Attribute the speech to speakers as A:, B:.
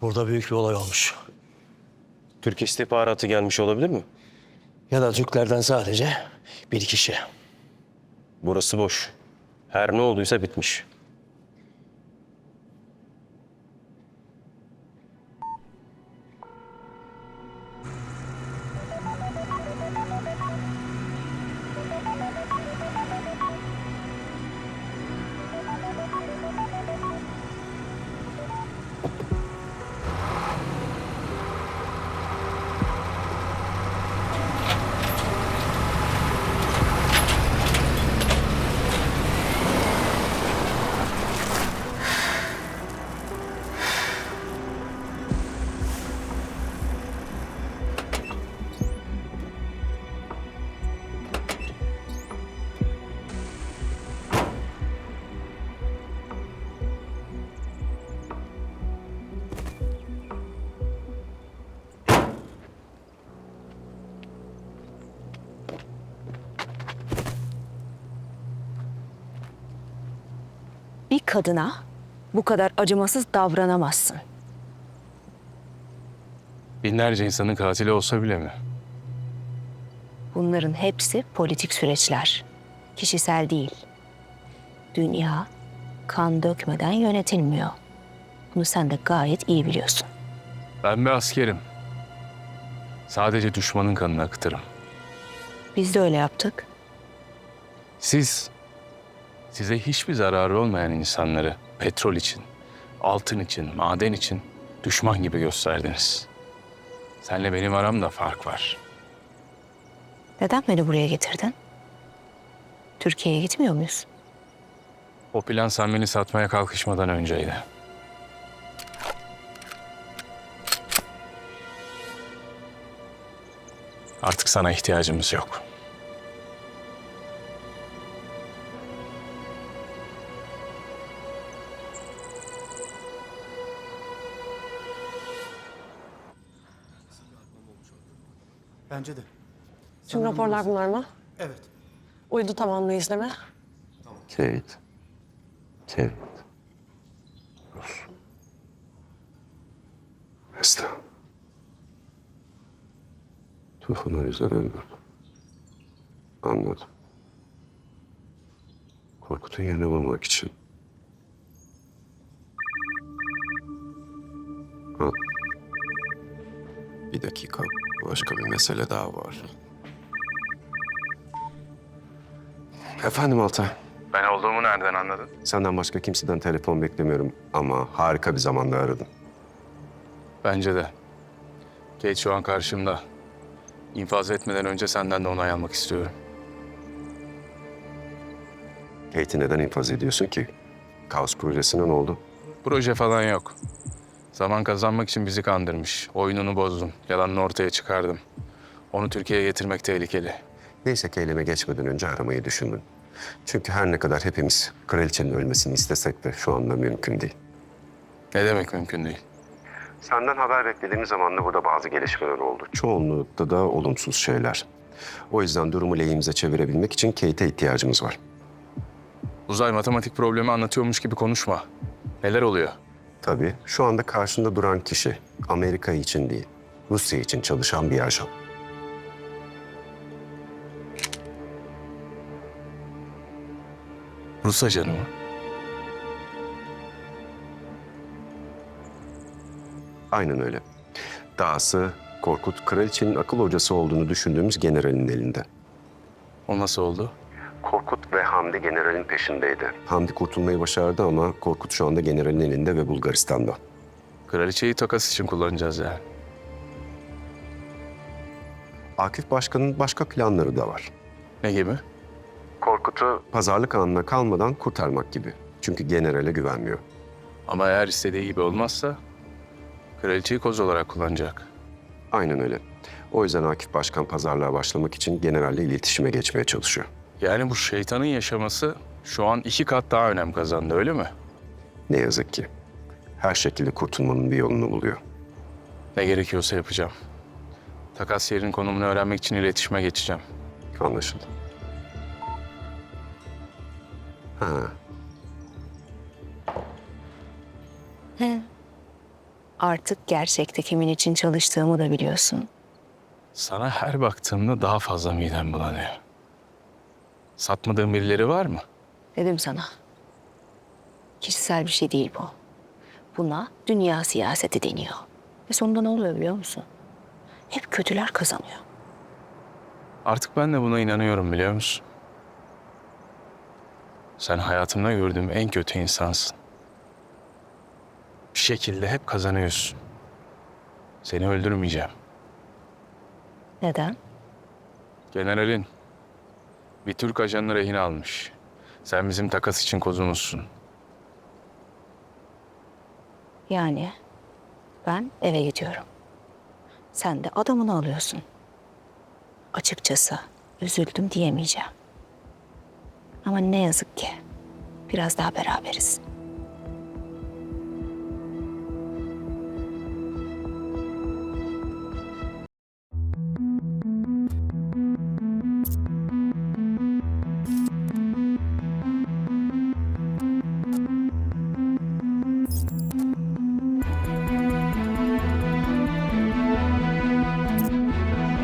A: Burada büyük bir olay olmuş.
B: Türk istihbaratı gelmiş olabilir mi?
A: Ya da Türklerden sadece bir kişi.
B: Burası boş. Her ne olduysa bitmiş.
C: Bir kadına bu kadar acımasız davranamazsın.
D: Binlerce insanın katili olsa bile mi?
C: Bunların hepsi politik süreçler. Kişisel değil. Dünya kan dökmeden yönetilmiyor. Bunu sen de gayet iyi biliyorsun.
D: Ben bir askerim. Sadece düşmanın kanını akıtırım.
C: Biz de öyle yaptık.
D: Size hiçbir zararı olmayan insanları petrol için, altın için, maden için düşman gibi gösterdiniz. Senle benim aramda fark var.
C: Neden beni buraya getirdin? Türkiye'ye gitmiyor muyuz?
D: O plan sen beni satmaya kalkışmadan önceydi. Artık sana ihtiyacımız yok.
A: Bence de.
E: Tüm raporlar bunlar mı?
A: Evet.
E: Uydu tamamlı izleme.
F: Kate. Kate. Rus. Mesle. Tufan o yüzden öldürdü. Anladım. Korkut'un yerine bulmak için. Ha. Bir dakika. Başka bir mesele daha var. Efendim Altay.
D: Ben olduğumu nereden anladın?
F: Senden başka kimseden telefon beklemiyorum ama harika bir zamanda aradın.
D: Bence de. Kate şu an karşımda. İnfaz etmeden önce senden de onay almak istiyorum.
F: Kate'i neden infaz ediyorsun ki? Kaos projesine ne oldu?
D: Proje falan yok. Zaman kazanmak için bizi kandırmış. Oyununu bozdum. Yalanını ortaya çıkardım. Onu Türkiye'ye getirmek tehlikeli.
F: Neyse ki eyleme geçmeden önce aramayı düşündün. Çünkü her ne kadar hepimiz kraliçenin ölmesini istesek de şu anda mümkün değil.
D: Ne demek mümkün değil?
F: Senden haber beklediğimiz zaman da burada bazı gelişmeler oldu. Çoğunlukta da olumsuz şeyler. O yüzden durumu lehimize çevirebilmek için Kate'e ihtiyacımız var.
D: Uzay matematik problemi anlatıyormuş gibi konuşma. Neler oluyor?
F: Tabii şu anda karşında duran kişi Amerika için değil, Rusya için çalışan bir ajan.
D: Rus ajanı mı?
F: Aynen öyle. Dahası Korkut, kraliçenin akıl hocası olduğunu düşündüğümüz generalin elinde.
D: O nasıl oldu?
F: Korkut ve Hamdi generalin peşindeydi. Hamdi kurtulmayı başardı ama Korkut şu anda generalin elinde ve Bulgaristan'da.
D: Kraliçeyi takas için kullanacağız yani.
F: Akif Başkan'ın başka planları da var.
D: Ne gibi?
F: Korkut'u pazarlık anına kalmadan kurtarmak gibi. Çünkü generale güvenmiyor.
D: Ama eğer istediği gibi olmazsa kraliçeyi koz olarak kullanacak.
F: Aynen öyle. O yüzden Akif Başkan pazarlığa başlamak için generalle iletişime geçmeye çalışıyor.
D: Yani bu şeytanın yaşaması şu an 2 kat daha önem kazandı, öyle mi?
F: Ne yazık ki. Her şekilde kurtulmanın bir yolunu buluyor.
D: Ne gerekiyorsa yapacağım. Takas yerinin konumunu öğrenmek için iletişime geçeceğim.
F: Anlaşıldı. Ha,
C: Artık gerçekte kimin için çalıştığımı da biliyorsun.
D: Sana her baktığımda daha fazla midem bulanıyor. Satmadığın birileri var mı?
C: Dedim sana. Kişisel bir şey değil bu. Buna dünya siyaseti deniyor. Ve sonunda ne oluyor biliyor musun? Hep kötüler kazanıyor.
D: Artık ben de buna inanıyorum biliyor musun? Sen hayatımda gördüğüm en kötü insansın. Bir şekilde hep kazanıyorsun. Seni öldürmeyeceğim.
C: Neden?
D: Generalin bir Türk ajanını rehin almış. Sen bizim takas için kozumuzsun.
C: Yani ben eve gidiyorum. Sen de adamını alıyorsun. Açıkçası üzüldüm diyemeyeceğim. Ama ne yazık ki biraz daha beraberiz.